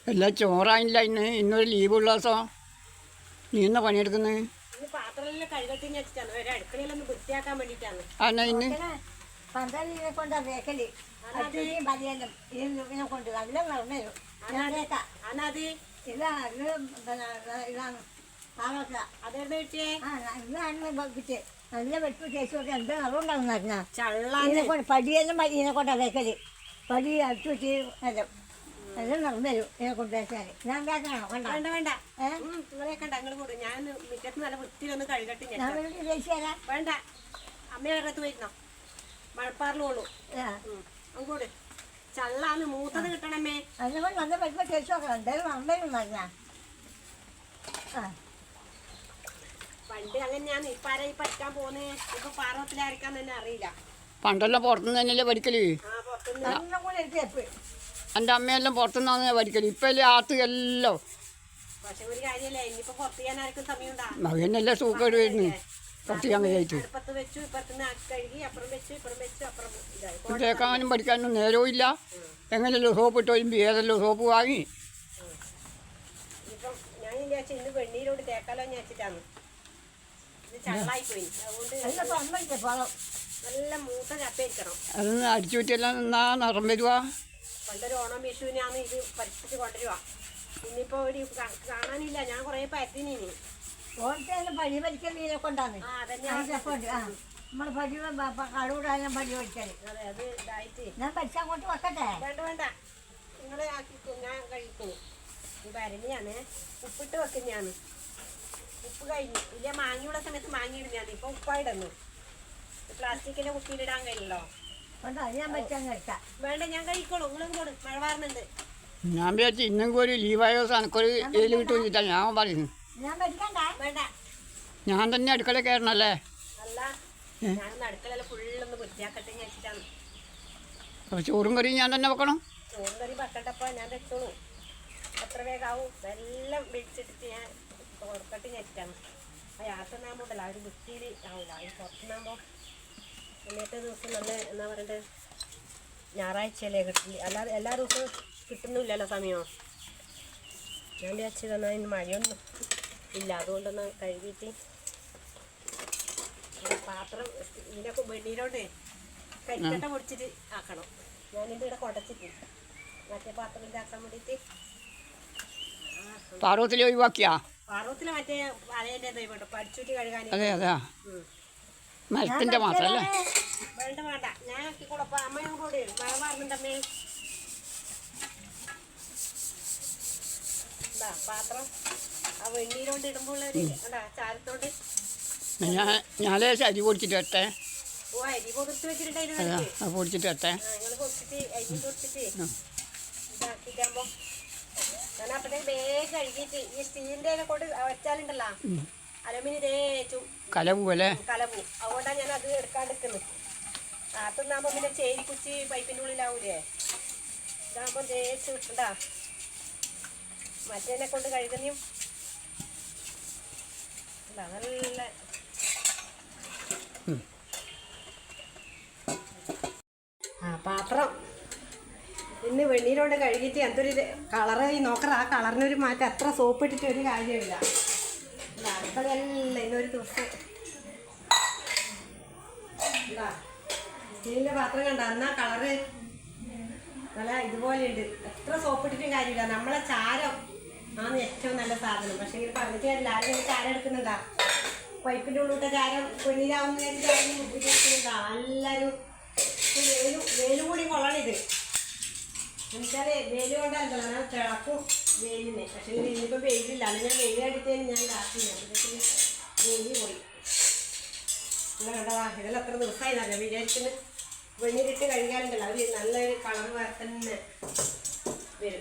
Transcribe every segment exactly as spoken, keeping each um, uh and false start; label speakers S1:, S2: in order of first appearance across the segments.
S1: എല്ലാം ചോറായില്ല. ഇന്ന് ഇന്നൊരു ലീവുള്ള ദിവസം നീ എന്നാ പണിയെടുക്കുന്നത്? അന്നാ ഇന്ന്
S2: പന്തലിനെ കൊണ്ട് വേക്കല് അച്ഛനെയും പതിയെല്ലാം ഇതിനെ കൊണ്ട് നല്ല നടന്നു. ഇതാണ് ഇതാണ് കിട്ടിയത്. നല്ല വെട്ട് തേച്ച് കൊടുത്ത് എന്താ നിറവുണ്ടാകുന്ന പറഞ്ഞാൽ ഇതിനെ കൊണ്ട് പടിയെല്ലാം ഇതിനെ കൊണ്ടാ വേക്കല്. പടി അടിച്ചു വെച്ച് എല്ലാം എല്ലാം നടന്നു വരും ഇതിനെ കൊണ്ട് തേച്ചാൽ. ഞാൻ വേക്കണോ? വേണ്ട വേണ്ട വേണ്ട
S3: ഞാൻ മുറ്റത്ത് നല്ല വൃത്തിയിലൊന്ന് കഴുകട്ടെ.
S2: തേച്ച് തരാം.
S3: വേണ്ട, അമ്മയുടെ വരുന്നോ? മഴപ്പാറിലോളൂ അങ്ങോട്ട് ചള്ളാന്ന് മൂത്തത് കിട്ടണമേ.
S2: അതിനെ കൊണ്ട് നല്ല വരുമ്പോ തേച്ച് നോക്കണം. എന്തായാലും നന്നായിരുന്നു പറഞ്ഞാ.
S3: പണ്ട് അങ്ങനെയാന്ന്. ഇപ്പൊ ആരാ ഈ പഠിക്കാൻ പോന്നേ? ഇപ്പൊ പാർവത്തിലായിരിക്കാൻ തന്നെ അറിയില്ല.
S1: പണ്ടെല്ലാം പുറത്തുനിന്ന് തന്നെയല്ലേ പഠിക്കല്. എൻ്റെ അമ്മയെല്ലാം പുറത്തുനിന്നാണ് പഠിക്കല്. ഇപ്പം അല്ലേ ആത്ത് എല്ലാം.
S3: പക്ഷെ ഒരു കാര്യല്ലേ, ഇനിയിപ്പോ പുറത്ത് ചെയ്യാൻ ആർക്കും സമയം ഉണ്ടാ?
S1: മകനെല്ലാം സൂക്കേട് വരുന്നു പുറത്ത് ചെയ്യാൻ കഴിച്ചു.
S3: അടുപ്പത്ത് വെച്ചു, ഇപ്പുറത്തുനിന്ന് കഴുകി, അപ്പുറം വെച്ചു, ഇപ്പുറം വെച്ചു, അപ്പുറം ഇതായി.
S1: കേൾക്കാനും പഠിക്കാനും നേരവും ഇല്ല. എങ്ങനെയല്ലോ സോപ്പ് ഇട്ട് വരുമ്പോൾ ഏതെല്ലോ സോപ്പ് വാങ്ങി.
S3: ഇപ്പം ഞാൻ വിചാരിച്ചു ഇന്ന് വെണ്ണീരോട് തേക്കാലോ എന്ന് വെച്ചിട്ടാണ്. ഇത് ചള്ളായി പോയി. അതുകൊണ്ട് നല്ല മൂത്ത ചപ്പയിരിക്കണം.
S1: അതൊന്ന് അടിച്ചു പറ്റിയെല്ലാം നിന്നാ നിറം വരുവാ.
S3: പണ്ടൊരു ഓണം വിഷുവിനാണ് ഇത് പരിപ്പിച്ച് കൊണ്ടുവരുക. ഇന്നിപ്പോ ഒരു കാണാനില്ല. ഞാൻ കൊറേ പരത്തിനി.
S2: ഓണത്തിന് പഴി പരിക്കൽ മീനെ കൊണ്ടാണ്. നമ്മള് പടി കടുകൂടാനും പടി പഠിക്കല്.
S3: അതെ, അത് ഇതായിട്ട്
S2: ഞാൻ പഠിച്ചാൽ അങ്ങോട്ട് വെക്കട്ടെ.
S3: വേണ്ട വേണ്ട, നിങ്ങളെ ആക്കിക്കോ, ഞാൻ കഴിക്കുന്നു. ഇത് അരണിയാണ്, ഉപ്പിട്ട് വെക്കുന്നതാണ്. ഉപ്പ് കഴിഞ്ഞു. ഇല്ല, മാങ്ങിയുള്ള സമയത്ത് മാങ്ങിയിടുന്നതാണ്. ഇപ്പൊ ഉപ്പായിടുന്നു. പ്ലാസ്റ്റിക്കിന്റെ കുപ്പിയിലിടാൻ കഴിയല്ലോ.
S2: ഞാൻ പഠിച്ചാൽ കഴിക്കാം.
S3: വേണ്ട, ഞാൻ കഴിക്കോളൂ. നിങ്ങളും കൂടെ മഴ വാറുന്നുണ്ട്.
S1: ഞാൻ വിചാരിച്ചു ഇന്നെങ്കിലും ഒരു ലീവായോ എനക്കൊരു ഏല് കിട്ടുമെന്നിട്ടാ ഞാൻ പറയുന്നു.
S3: വേണ്ട,
S1: ഞാൻ തന്നെ അടുക്കള കയറണല്ലേ?
S3: അല്ല, ഞാൻ അടുക്കള ഫുള്ളൊന്ന് വൃത്തിയാക്കട്ടെ വെച്ചിട്ടാണ്.
S1: അപ്പോൾ ചോറും കറിയും ഞാൻ തന്നെ വെക്കണം.
S3: ചോറും കറി വെക്കട്ടപ്പോ ഞാൻ വെച്ചോളൂ. എത്ര വേഗാവും എല്ലാം വിളിച്ചിട്ട് ഞാൻ ഓർക്കട്ട് വെച്ചിട്ടാണ്. ആ യാത്രനാകുമ്പോണ്ടല്ലോ ആ ഒരു വൃത്തിയിൽ ആവില്ല. അത് പുറത്തുനിന്നാകുമ്പോ ഇന്നത്തെ ദിവസം നല്ല എന്താ പറയണ്ടത്, ഞായറാഴ്ചയല്ലേ കിട്ടില്ല. അല്ലാതെ എല്ലാ ദിവസവും കിട്ടുന്നില്ലല്ലോ സമയമോ. ഞാൻ വിചാരിച്ചു തന്നാൽ ഇന്ന് മഴയൊന്നും ഇല്ല. അതുകൊണ്ടൊന്ന് കഴുകിയിട്ട് പാത്രം ഇതിനൊക്കെ വെണ്ണീരോണ്ട് കരിക്കട്ട പൊടിച്ചിട്ട് ആക്കണം. ഞാനിത് ഇവിടെ കുടച്ചിട്ട് മറ്റേ പാത്രത്തിലാക്കാൻ വേണ്ടിയിട്ട്.
S1: പാർവത്തിൽ ഒഴിവാക്കിയാ?
S3: പാർവത്തിൽ മറ്റേ അലയൻ്റെ പഠിച്ചിട്ട് കഴുകാൻ.
S1: അതെ അതാ മരത്തിൻ്റെ മാത്രമല്ലേ?
S3: വേണ്ട വേണ്ട, ഞാൻ കൂടപ്പ അമ്മയും കൂടെ മഴ പറഞ്ഞിട്ടമ്മേ. എന്താ പാത്രം ആ വെണ്ണീരോണ്ട് ഇടുമ്പോൾ എന്താ ചാരത്തോണ്ട്
S1: ഞാൻ ഞാനേ അരി പൊടിച്ചിട്ട് വരട്ടെ.
S3: ഓ, അരി പൊടിച്ച് വെച്ചിട്ടുണ്ടായിരുന്നു.
S1: പൊടിച്ചിട്ട് വരട്ടെ.
S3: നിങ്ങൾ പൊടിച്ചിട്ട് അരി പൊടിച്ചിട്ട് ഇതാക്കിക്കാകുമ്പോ ഞാൻ അപ്പഴത്തേക്ക് വേഗം കഴുകിയിട്ട് ഈ സ്റ്റീലിൻ്റെ കൊണ്ട് വെച്ചാലുണ്ടല്ലോ അലുമിനിയം തേച്ചു
S1: കലപൂ അല്ലേ?
S3: കലപൂ. അതുകൊണ്ടാണ് ഞാൻ അത് എടുക്കാണ്ടിരിക്കുന്നത്. കാത്തുന്നാകുമ്പോൾ പിന്നെ ചേരി കുച്ചി പൈപ്പിൻ്റെ ഉള്ളിലാവൂലേ. ഇതാകുമ്പോൾ തേച്ച് കിട്ടണ്ടാ. മറ്റേനെ കൊണ്ട് കഴുകുന്നയും നല്ല ആ പാത്രം ഇന്ന് വെണ്ണീരോണ്ട് കഴുകിയിട്ട് എന്തൊരു കളറ് നോക്കറ. ആ കളറിനൊരു മാറ്റം. എത്ര സോപ്പ് ഇട്ടിട്ട് ഒരു കാര്യമില്ല. അടുക്കളയല്ല ഇന്നൊരു ദിവസം. സ്റ്റീലിൻ്റെ പാത്രം കണ്ട എന്നാ കളറ് നല്ല ഇതുപോലെയുണ്ട്. എത്ര സോപ്പ് ഇട്ടിട്ടും കാര്യമില്ല. നമ്മളെ ചാരം ആണ് ഏറ്റവും നല്ല സാധനം. പക്ഷേ ഇങ്ങനെ പറഞ്ഞിട്ട് കാര്യമില്ല. ആരും ചാരം എടുക്കുന്നുണ്ടാ? പൈപ്പിൻ്റെ ഉള്ളിലത്തെ ചാരം പൊന്നിലാവുന്ന ചാരം ഉപയോഗിക്കുന്നുണ്ടാ? എല്ലാവരും വേലും വേലും കൂടി കൊള്ളണിത്. എന്നുവെച്ചാൽ വേല് കൊണ്ടല്ലോ ഞാൻ തിളക്കും വെയിലിനെ. പക്ഷേ ഇന്നിപ്പോൾ വെയിലില്ല. അല്ലെങ്കിൽ ഞാൻ വെയിൽ അടിച്ചതിന് ഞാൻ കാത്തില്ല. വെയിൽ പോയി. നിങ്ങൾ കണ്ടവാ, ഇതെല്ലാം എത്ര ദിവസമായി നല്ല വിചാരിക്കുന്നു. വെണ്ണീരിട്ട് കഴുകാനുണ്ടല്ലോ അവർ നല്ലൊരു കളർ വേറെ തന്നെ വരും.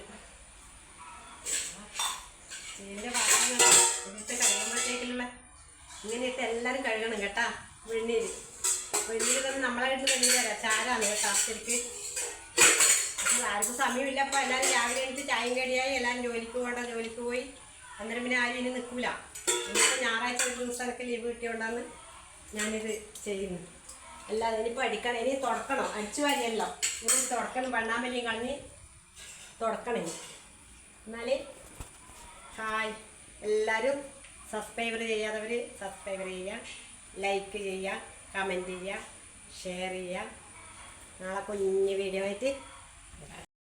S3: ഇതിൻ്റെ പാത്രങ്ങൾ ഇതിട്ട് കഴുകുമ്പോഴത്തേക്കുള്ള ഇങ്ങനെയിട്ട് എല്ലാവരും കഴുകണം കേട്ടാ. വെണ്ണീര് വെണ്ണീര് തന്നെ നമ്മളെ വീട്ടിൽ വെണ്ണീര് തരാം. ചാരാണ് കേട്ടോ. ശരിക്ക് ആർക്കും സമയമില്ല. അപ്പോൾ എല്ലാവരും രാവിലെ എണീറ്റ് ചായയും കടിയായി എല്ലാവരും ജോലിക്ക് പോകണ്ട. ജോലിക്ക് പോയി അന്നേരം പിന്നെ ആരും ഇനി നിൽക്കില്ല. ഇന്നിപ്പോൾ ഞായറാഴ്ച ഒരു ദിവസമൊക്കെ ലീവ് കിട്ടിയോണ്ടാണ് ഞാനിത് ചെയ്യുന്നു. അല്ലാതെ ഇനിയിപ്പോൾ അടിക്കണം. ഇനി തുടക്കണം. അടിച്ചു വാരിയല്ലോ. ഇനി തുടക്കണം. വണ്ണാമ്പലിയും കളഞ്ഞ് തുടക്കണം. എന്നാൽ ഹായ്, എല്ലാവരും സബ്സ്ക്രൈബർ ചെയ്യാത്തവർ സബ്സ്ക്രൈബർ ചെയ്യുക, ലൈക്ക് ചെയ്യുക, കമൻറ്റ് ചെയ്യുക, ഷെയർ ചെയ്യുക. നാളെ കുഞ്ഞ് വീഡിയോ ആയിട്ട്